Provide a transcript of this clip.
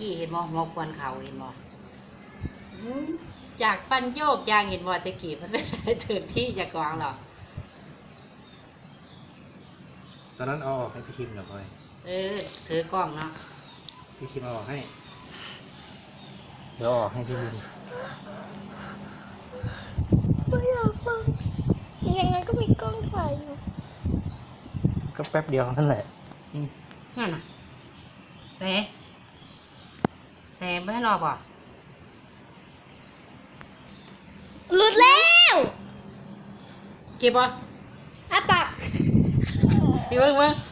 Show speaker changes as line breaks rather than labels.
กี้เห็นบ่หัวควนเขาเห็นบ่จากปั้นโยกยางเห็นบ่ตะกี้มันไม่ได้ถึงที่จะกวางหรอก
ตอนนั้นเอาออกให้พี่คิมหน่อย
ถือกล้องเนาะ
พี่คิมเอาออกให้เดี๋ยวออกให้พี่คิม
ไม่อยากฟังยังไงก็มีกล้องถ่ายอยู่
ก็แป๊บเดียวนั่นแหละ
นั่นน่ะแต่ไม่ให้รอป่ะ
หลุดแล้ว
เก็บป่ะ
อ่ะปาก
พี่เบิ้ง